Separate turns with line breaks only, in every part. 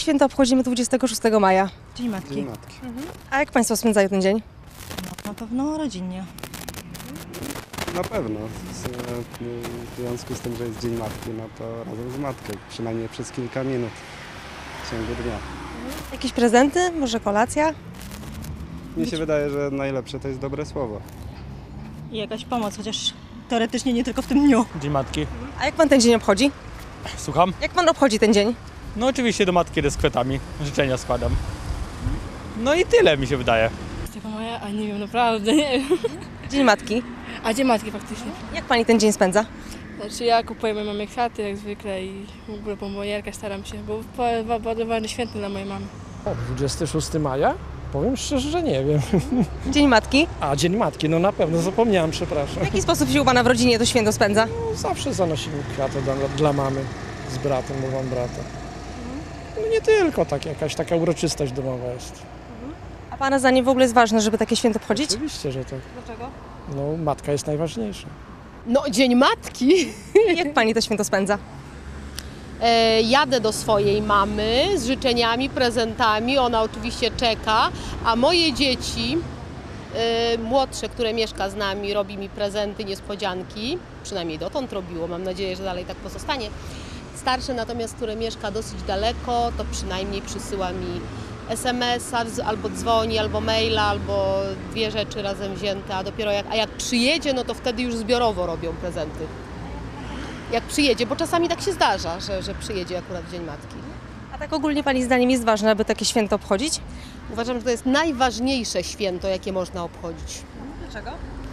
święto obchodzimy 26 maja?
Dzień Matki.
Dzień Matki.
A jak Państwo spędzają ten dzień?
No, na pewno rodzinnie.
Na pewno. W związku z tym, że jest Dzień Matki, no to razem z matką, przynajmniej przez kilka minut w ciągu dnia.
Jakieś prezenty? Może kolacja?
Mnie się wydaje, że najlepsze to jest dobre słowo.
I jakaś pomoc, chociaż teoretycznie nie tylko w tym dniu.
Dzień Matki.
A jak Pan ten dzień obchodzi?
Słucham?
Jak Pan obchodzi ten dzień?
No oczywiście do matki idę z kwiatami. Życzenia składam. No i tyle mi się wydaje.
Taka moja, a nie wiem, naprawdę nie wiem.
Dzień Matki.
A Dzień Matki faktycznie.
Jak Pani ten dzień spędza?
Znaczy ja kupuję mojej mamie kwiaty jak zwykle i w ogóle bombonierkę staram się, bo bardzo ważny święty dla mojej mamy.
26 maja? Powiem szczerze, że nie wiem.
Dzień Matki.
A, Dzień Matki, no na pewno, zapomniałem,
W
przepraszam.
jaki sposób się u Pana w rodzinie to święto spędza?
No, zawsze zanosimy kwiaty dla mamy z bratem, bo mam brata. No nie tylko, jakaś taka uroczystość domowa jest.
A Pana zdaniem w ogóle jest ważne, żeby takie święto obchodzić?
Oczywiście, że tak.
Dlaczego?
No, matka jest najważniejsza.
No, Dzień Matki.
Jak Pani to święto spędza?
Jadę do swojej mamy z życzeniami, prezentami. Ona oczywiście czeka, a moje dzieci, młodsze, które mieszka z nami, robi mi prezenty, niespodzianki. Przynajmniej dotąd robiło, mam nadzieję, że dalej tak pozostanie. Starsze natomiast, które mieszka dosyć daleko, to przynajmniej przysyła mi SMS-a, albo dzwoni, albo maila, albo dwie rzeczy razem wzięte, a dopiero jak przyjedzie, no to wtedy już zbiorowo robią prezenty. Jak przyjedzie, bo czasami tak się zdarza, że przyjedzie akurat w Dzień Matki.
A tak ogólnie Pani zdaniem jest ważne, aby takie święto obchodzić?
Uważam, że to jest najważniejsze święto, jakie można obchodzić.
Dlaczego?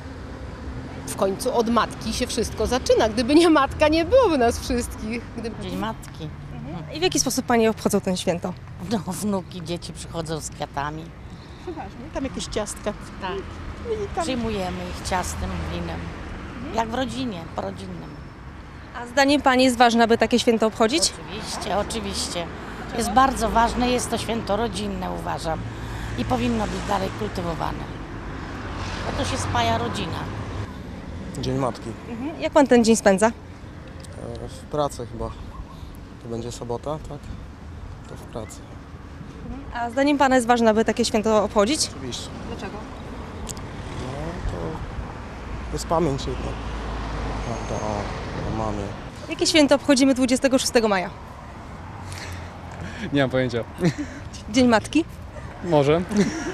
W końcu od matki się wszystko zaczyna. Gdyby nie matka, nie byłoby nas wszystkich.
Dzień Matki.
I w jaki sposób Pani obchodzą ten święto?
No, wnuki, dzieci przychodzą z kwiatami.
Tam jakieś ciastka.
Tak. Przyjmujemy ich ciastem, winem. Jak w rodzinie, po rodzinnym.
A zdaniem Pani jest ważne, aby takie święto obchodzić?
Oczywiście, oczywiście. Jest bardzo ważne, jest to święto rodzinne, uważam. I powinno być dalej kultywowane. Bo to się spaja rodzina.
Dzień Matki.
Jak Pan ten dzień spędza?
W pracy chyba. To będzie sobota, tak? To w pracy.
A zdaniem Pana jest ważne, aby takie święto obchodzić?
Oczywiście.
Dlaczego?
No to jest pamięć jedna. Prawda, o mamie.
Jakie święto obchodzimy 26 maja?
Nie mam pojęcia.
Dzień Matki.
Może.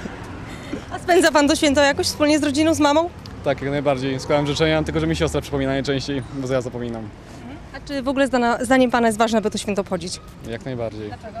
A spędza Pan to święto jakoś wspólnie z rodziną, z mamą?
Tak, jak najbardziej. Składam życzenia, tylko że mi siostra przypomina najczęściej, bo ja zapominam.
A czy w ogóle zdaniem Pana jest ważne, aby to święto obchodzić?
Jak najbardziej.
Dlaczego?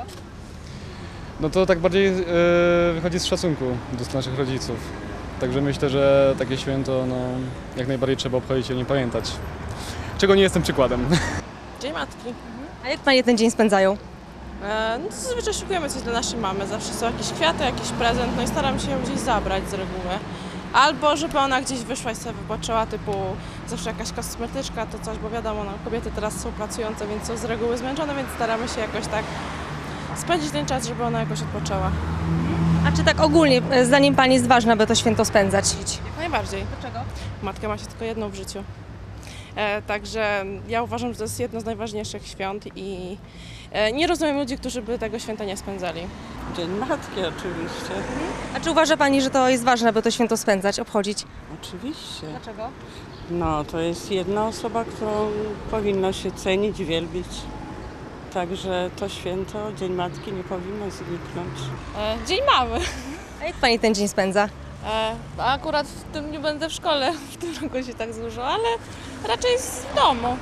No to tak bardziej wychodzi z szacunku do naszych rodziców. Także myślę, że takie święto jak najbardziej trzeba obchodzić i o nim pamiętać. Czego nie jestem przykładem.
Dzień Matki.
A jak Panie ten dzień spędzają?
No to zazwyczaj szykujemy coś dla naszej mamy. Zawsze są jakieś kwiaty, jakiś prezent, no i staram się ją gdzieś zabrać z reguły. Albo żeby ona gdzieś wyszła i sobie wypoczęła, typu zawsze jakaś kosmetyczka, to coś, bo wiadomo, no, kobiety teraz są pracujące, więc są z reguły zmęczone, więc staramy się jakoś tak spędzić ten czas, żeby ona jakoś odpoczęła.
A czy tak ogólnie zdaniem Pani jest ważne, aby to święto spędzać?
Jak najbardziej.
Dlaczego?
Matka ma się tylko jedną w życiu. Także ja uważam, że to jest jedno z najważniejszych świąt i nie rozumiem ludzi, którzy by tego święta nie spędzali.
Dzień Matki oczywiście.
A czy uważa Pani, że to jest ważne, aby to święto spędzać, obchodzić?
Oczywiście.
Dlaczego?
No, to jest jedna osoba, którą powinno się cenić, wielbić. Także to święto, Dzień Matki, nie powinno zniknąć.
Dzień mamy.
A jak Pani ten dzień spędza?
Akurat w tym dniu będę w szkole, w tym roku się tak złożyło, ale raczej w domu.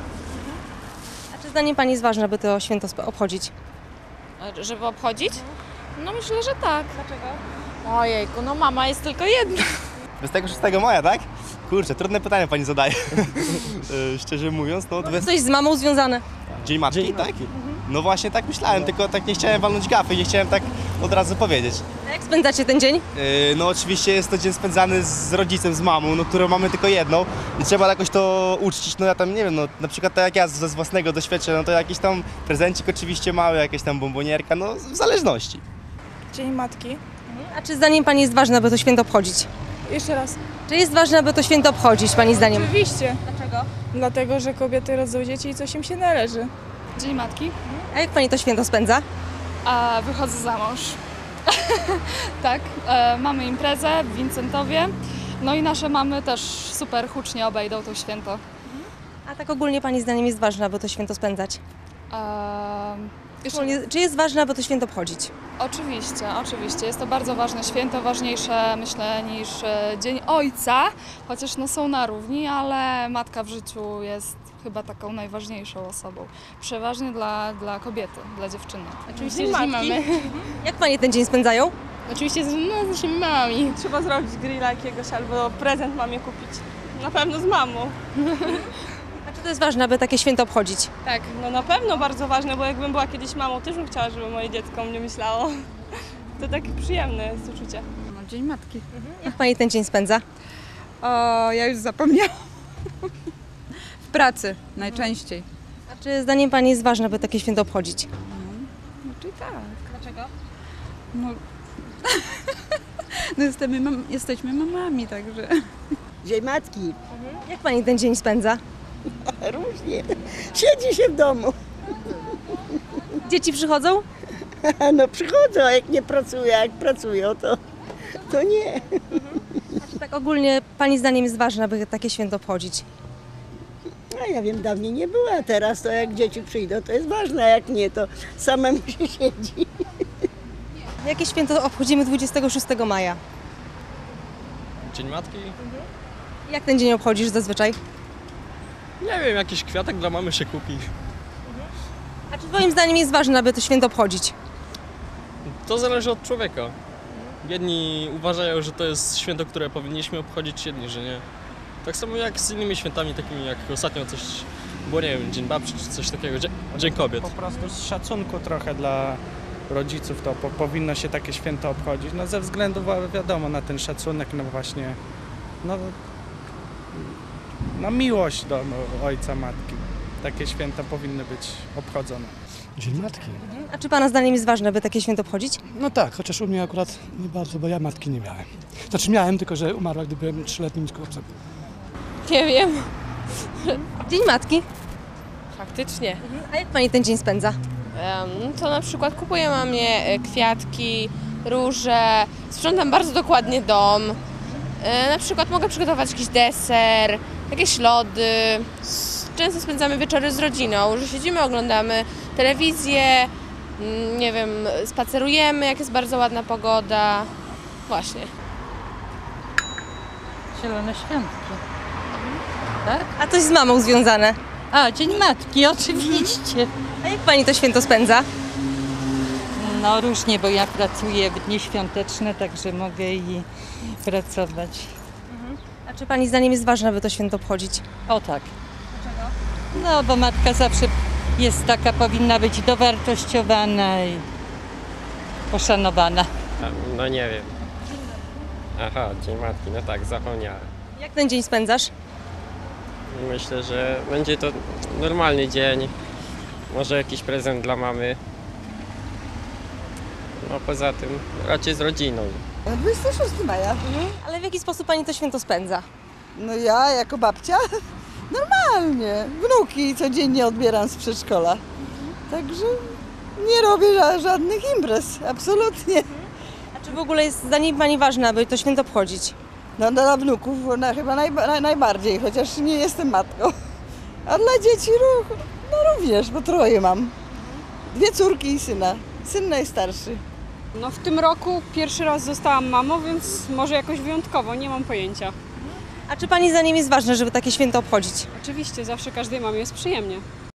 A czy zdaniem Pani jest ważne, aby to święto obchodzić?
Żeby obchodzić? No myślę, że tak. Dlaczego? Ojejku, no mama jest tylko jedna.
26 maja, tak? Kurczę, trudne pytanie pani zadaje. Szczerze mówiąc, no...
Coś z mamą związane?
Dzień Matki, tak? No właśnie tak myślałem, tylko tak nie chciałem walnąć gafy, nie chciałem tak od razu powiedzieć.
A jak spędzacie ten dzień?
No oczywiście jest to dzień spędzany z rodzicem, z mamą, no którą mamy tylko jedną i trzeba jakoś to uczcić, no ja tam nie wiem, no na przykład tak jak ja ze własnego doświadczenia, no to jakiś tam prezencik oczywiście mały, jakieś tam bombonierka, no w zależności.
Dzień Matki.
A czy zdaniem Pani jest ważne, aby to święto obchodzić?
Jeszcze raz.
Czy jest ważne, aby to święto obchodzić, Pani zdaniem?
Oczywiście.
Dlaczego?
Dlatego, że kobiety rodzą dzieci i coś im się należy.
Dzień Matki.
A jak Pani to święto spędza?
A wychodzę za mąż. Tak, mamy imprezę w Wincentowie. No i nasze mamy też super hucznie obejdą to święto.
A tak ogólnie Pani zdaniem jest ważne, aby to święto spędzać? Czy jest ważne, aby to święto obchodzić?
Oczywiście. Jest to bardzo ważne święto, ważniejsze myślę niż Dzień Ojca, chociaż no są na równi, ale matka w życiu jest chyba taką najważniejszą osobą. Przeważnie dla kobiety, dla dziewczyny.
Oczywiście z mamy. Jak Panie ten dzień spędzają?
Oczywiście z naszymi mamami. Trzeba zrobić grilla jakiegoś albo prezent mamie kupić. Na pewno z mamą.
A czy to jest ważne, aby takie święto obchodzić?
Tak, no na pewno bardzo ważne, bo jakbym była kiedyś mamą, też bym chciała, żeby moje dziecko o mnie myślało. To takie przyjemne jest uczucie.
No, Dzień Matki.
Jak Pani ten dzień spędza?
O, ja już zapomniałam. W pracy najczęściej.
A czy zdaniem Pani jest ważne, aby takie święto obchodzić?
Znaczy tak.
Dlaczego?
No, no jesteśmy mamami, także.
Dzień Matki.
Jak Pani ten dzień spędza?
Różnie. Siedzi się w domu.
Dzieci przychodzą?
No przychodzą, a jak nie pracują, jak pracują, to nie.
A czy tak ogólnie Pani zdaniem jest ważne, aby takie święto obchodzić?
No ja wiem, dawniej nie było, a teraz to jak dzieci przyjdą, to jest ważne, a jak nie, to samemu się siedzi.
Jakie święto obchodzimy 26 maja?
Dzień Matki?
Jak ten dzień obchodzisz zazwyczaj?
Nie wiem, jakiś kwiatek dla mamy się kupi.
A czy Twoim zdaniem jest ważne, aby to święto obchodzić?
To zależy od człowieka. Jedni uważają, że to jest święto, które powinniśmy obchodzić, jedni, że nie. Tak samo jak z innymi świętami, takimi jak ostatnio coś było, nie wiem, Dzień Babci czy coś takiego, Dzień Kobiet.
Po prostu z szacunku trochę dla rodziców to powinno się takie święto obchodzić. No ze względu, wiadomo, na ten szacunek, no właśnie, no miłość do ojca, matki. Takie święta powinny być obchodzone.
Dzień Matki?
A czy Pana zdaniem jest ważne, aby takie święto obchodzić?
No tak, chociaż u mnie akurat nie bardzo, bo ja matki nie miałem. Znaczy miałem, tylko że umarła, gdy byłem 3-letnim chłopcem.
Nie wiem.
Dzień Matki.
Faktycznie.
A jak Pani ten dzień spędza?
To na przykład kupuję mamie kwiatki, róże, sprzątam bardzo dokładnie dom. Na przykład mogę przygotować jakiś deser, jakieś lody. Często spędzamy wieczory z rodziną, że siedzimy, oglądamy telewizję, nie wiem, spacerujemy, jak jest bardzo ładna pogoda. Właśnie.
Zielone Świątki. Tak?
A coś z mamą związane?
A, Dzień Matki, oczywiście.
A jak Pani to święto spędza?
No różnie, bo ja pracuję w dni świąteczne, także mogę i pracować.
A czy Pani zdaniem jest ważne, aby to święto obchodzić?
O tak. No, bo matka zawsze jest taka, powinna być dowartościowana i poszanowana.
No nie wiem. Aha, Dzień Matki, no tak, zapomniałem.
Jak ten dzień spędzasz?
Myślę, że będzie to normalny dzień. Może jakiś prezent dla mamy. No poza tym raczej z rodziną.
26 maja.
Ale w jaki sposób Pani to święto spędza?
No ja jako babcia normalnie. Wnuki codziennie odbieram z przedszkola. Także nie robię żadnych imprez, absolutnie.
A czy w ogóle jest zdaniem Pani ważne, aby to święto obchodzić?
No dla wnuków chyba najbardziej, chociaż nie jestem matką. A dla dzieci no również, bo 3 mam. 2 córki i syna. Syn najstarszy.
No w tym roku pierwszy raz zostałam mamą, więc może jakoś wyjątkowo, nie mam pojęcia.
A czy Pani zdaniem jest ważne, żeby takie święto obchodzić?
Oczywiście, zawsze każdej mamie jest przyjemnie.